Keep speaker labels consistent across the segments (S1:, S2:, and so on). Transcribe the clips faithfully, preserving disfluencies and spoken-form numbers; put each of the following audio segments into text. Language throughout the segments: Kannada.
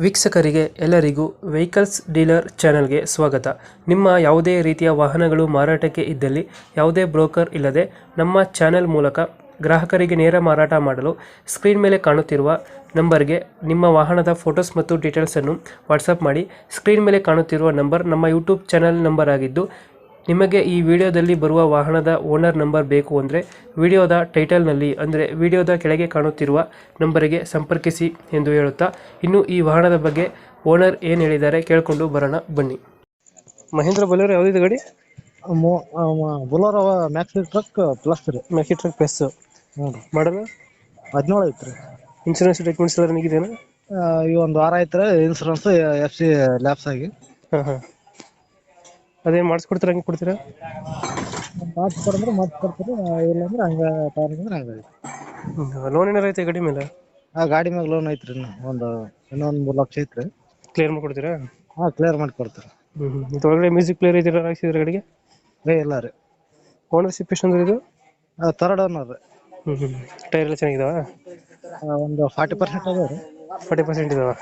S1: ವೀಕ್ಷಕರಿಗೆ ಎಲ್ಲರಿಗೂ ವೆಹಿಕಲ್ಸ್ ಡೀಲರ್ ಚಾನೆಲ್ಗೆ ಸ್ವಾಗತ. ನಿಮ್ಮ ಯಾವುದೇ ರೀತಿಯ ವಾಹನಗಳು ಮಾರಾಟಕ್ಕೆ ಇದ್ದಲ್ಲಿ ಯಾವುದೇ ಬ್ರೋಕರ್ ಇಲ್ಲದೆ ನಮ್ಮ ಚಾನೆಲ್ ಮೂಲಕ ಗ್ರಾಹಕರಿಗೆ ನೇರ ಮಾರಾಟ ಮಾಡಲು ಸ್ಕ್ರೀನ್ ಮೇಲೆ ಕಾಣುತ್ತಿರುವ ನಂಬರ್ಗೆ ನಿಮ್ಮ ವಾಹನದ ಫೋಟೋಸ್ ಮತ್ತು ಡೀಟೇಲ್ಸನ್ನು ವಾಟ್ಸಪ್ ಮಾಡಿ. ಸ್ಕ್ರೀನ್ ಮೇಲೆ ಕಾಣುತ್ತಿರುವ ನಂಬರ್ ನಮ್ಮ ಯೂಟ್ಯೂಬ್ ಚಾನೆಲ್ ನಂಬರ್ ಆಗಿದ್ದು, ನಿಮಗೆ ಈ ವಿಡಿಯೋದಲ್ಲಿ ಬರುವ ವಾಹನದ ಓನರ್ ನಂಬರ್ ಬೇಕು ಅಂದರೆ ವಿಡಿಯೋದ ಟೈಟಲ್ನಲ್ಲಿ ಅಂದರೆ ವಿಡಿಯೋದ ಕೆಳಗೆ ಕಾಣುತ್ತಿರುವ ನಂಬರಿಗೆ ಸಂಪರ್ಕಿಸಿ ಎಂದು ಹೇಳುತ್ತಾ, ಇನ್ನು ಈ ವಾಹನದ ಬಗ್ಗೆ ಓನರ್ ಏನು ಹೇಳಿದ್ದಾರೆ ಕೇಳಿಕೊಂಡು ಬರೋಣ ಬನ್ನಿ. ಮಹೇಂದ್ರ ಬೊಲೆರೋ ಯಾವುದಿದೆ ಗಾಡಿ?
S2: ಬೊಲೋರೋ ಮ್ಯಾಕ್ಸಿ ಟ್ರಕ್ ಪ್ಲಸ್ ರೀ.
S1: ಮ್ಯಾಕ್ಸಿ ಟ್ರಕ್ ಪ್ಲಸ್
S2: ಹ್ಞೂ ರೀ.
S1: ಮಾಡಲ್ಲ
S2: ಹದಿನೇಳು ಐತ್ರಿ.
S1: ಇನ್ಶೂರೆನ್ಸ್ ಡಾಕ್ಯುಮೆಂಟ್ಸ್ ಎಲ್ಲ ನಿಗಿದೇನಾ?
S2: ಈ ಒಂದು ವಾರ ಐತ್ರಿ ಇನ್ಸೂರೆನ್ಸ್ ಎಫ್ ಸಿ ಲ್ಯಾಪ್ಸ್ ಆಗಿ.
S1: ಹಾಂ ಹಾಂ ಅದೇನು ಮಾಡಿಸ್ಕೊಡ್ತೀರಾ? ಹಂಗೆ ಕೊಡ್ತೀರಾ?
S2: ಮಾಡಿಸ್ಕೊಡಂದ್ರೆ ಮಾಡಿಸ್ಕೊಡ್ತೀರಿ, ಇಲ್ಲಾಂದ್ರೆ ಹಂಗೆ ತಗೊಂಡ್ರೆ ಹಂಗೆ.
S1: ಲೋನ್ ಏನಾರು ಐತೆ ಗಾಡಿ ಮೇಲೆ?
S2: ಆ ಗಾಡಿ ಮ್ಯಾಗ ಲೋನ್ ಐತ್ರಿ, ಇನ್ನು ಒಂದು ಇನ್ನೊಂದು ಮೂರು ಲಕ್ಷ ಐತ್ರಿ.
S1: ಕ್ಲಿಯರ್ ಮಾಡ್ಕೊಡ್ತೀರಾ?
S2: ಹಾಂ, ಕ್ಲಿಯರ್ ಮಾಡಿ ಕೊಡ್ತೀರಿ.
S1: ಹ್ಞೂ ಹ್ಞೂ ಇದು ಒಳಗಡೆ ಮ್ಯೂಸಿಕ್ ಪ್ಲೇಯರ್ ಇದೆಲ್ಲ ಹಾಕ್ಸಿದ್ರೆ ಗಾಡಿಗೆ?
S2: ರೇ ಇಲ್ಲ ರೀ.
S1: ಓನರ್ಶಿಪ್ ಎಷ್ಟು ಅಂದ್ರೆ ಇದು?
S2: ತರ್ಡ್ ಓನರ್ ರೀ.
S1: ಹ್ಞೂ ಹ್ಞೂ ಟೈರ್ ಎಲ್ಲ ಚೆನ್ನಾಗಿದಾವ?
S2: ಒಂದು ಫಾರ್ಟಿ ಪರ್ಸೆಂಟ್ ಅದಾವ ರೀ.
S1: ಫಾರ್ಟಿ ಪರ್ಸೆಂಟ್ ಇದಾವ.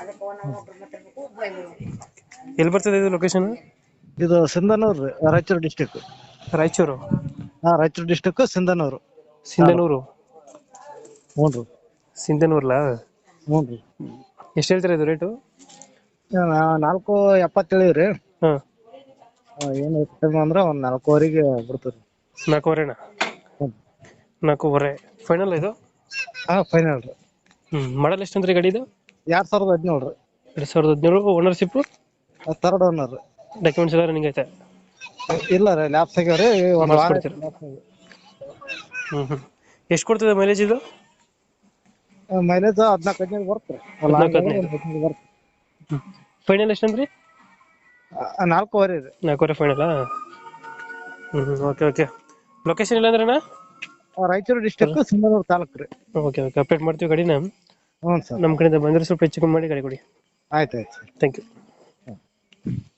S1: ಎಲ್ಲಿ ಬರ್ತದೆ ಇದು ಲೊಕೇಶನ್?
S2: ಇದು ಸಿಂಧನೂರು ರೀ, ರಾಯಚೂರು ಡಿಸ್ಟಿಕ್.
S1: ರಾಯಚೂರು?
S2: ಹಾಂ, ರಾಯಚೂರು ಡಿಸ್ಟಿಕ್ ಸಿಂಧನೂರು.
S1: ಸಿಂಧನೂರು?
S2: ಹ್ಞೂ ರೀ.
S1: ಸಿಂಧನೂರ್ಲಾ?
S2: ಹ್ಞೂ ರೀ.
S1: ಎಷ್ಟು ಹೇಳ್ತೀರಾ ಇದು ರೇಟು?
S2: ನಾಲ್ಕು ಎಪ್ಪತ್ತೇಳು ರೀ.
S1: ಹಾಂ,
S2: ಏನು ಹೆಚ್ಚು ಅಂದ್ರೆ ಒಂದು ನಾಲ್ಕೂವರೆಗೆ ಬಿಡ್ತೀವಿ.
S1: ನಾಲ್ಕೂವರೆನಾ?
S2: ಹ್ಞೂ.
S1: ನಾಲ್ಕೂವರೆ ಫೈನಲ್ ಇದು?
S2: ಹಾಂ, ಫೈನಲ್ ರೀ.
S1: ಹ್ಞೂ ಮಾಡಲ್ ಎಷ್ಟು ಅಂದ್ರೆ ಗಾಡಿ ಇದು?
S2: ಎರಡು ಸಾವಿರದ ಹದಿನೇಳು ರೀ.
S1: ಎರಡು ಸಾವಿರದ ಹದಿನೇಳು. ಓನರ್ಶಿಪ್ಪು?
S2: ತರ್ಡ್ ಓನರ್ ರೀ.
S1: ಡಾಕ್ಯುಮೆಂಟ್ಸ್ ಎಲ್ಲ ರನ್ನಿಂಗ್ ಐತೆ?
S2: ಇಲ್ಲ ರೀ, ಲ್ಯಾಪ್ಸ್ ಆಗ್ಯಾವ ರೀ. ಒಂದು ವಾರ
S1: ಮಾಡಿಸ್ಕೊಡ್ತೀರಾ? ಹ್ಞೂ ಹ್ಞೂ ಎಷ್ಟು ಕೊಡ್ತದೆ ಮೈಲೇಜ್ ಇದು?
S2: ಮೈಲೇಜ್ ಹದಿನಾಲ್ಕು ಹದಿನೈದು ಬರುತ್ತೆ ರೀ.
S1: ಹದಿನಾಲ್ಕು ಹದಿನೈದು
S2: ಬರುತ್ತೆ.
S1: ಹ್ಞೂ ಫೈನಲ್ ಎಷ್ಟಂದ್ರಿ?
S2: ನಾಲ್ಕೂವರೆ ರೀ.
S1: ನಾಲ್ಕೂವರೆ ಫೈನಲಾ? ಹ್ಞೂ ಹ್ಞೂ ಓಕೆ ಓಕೆ. ಲೊಕೇಶನ್ ಇಲ್ಲ ಅಂದ್ರಣ್ಣ?
S2: ರಾಯಚೂರು ಡಿಸ್ಟಿಕ್ ಸಿಂಧನೂರು ತಾಲೂಕು ರೀ.
S1: ಓಕೆ ಓಕೆ ಅಪ್ಡೇಟ್ ಮಾಡ್ತೀವಿ ಗಾಡಿನ.
S2: ಹ್ಞೂ ಸರ್.
S1: ನಮ್ಮ ಕಡೆಯಿಂದ ಬಂದರೆ ಸ್ವಲ್ಪ ಹೆಚ್ಚು ಕಮ್ಮಿ ಮಾಡಿ ಗಾಡಿ ಕೊಡಿ.
S2: ಆಯ್ತು ಆಯ್ತು.
S1: Thank you.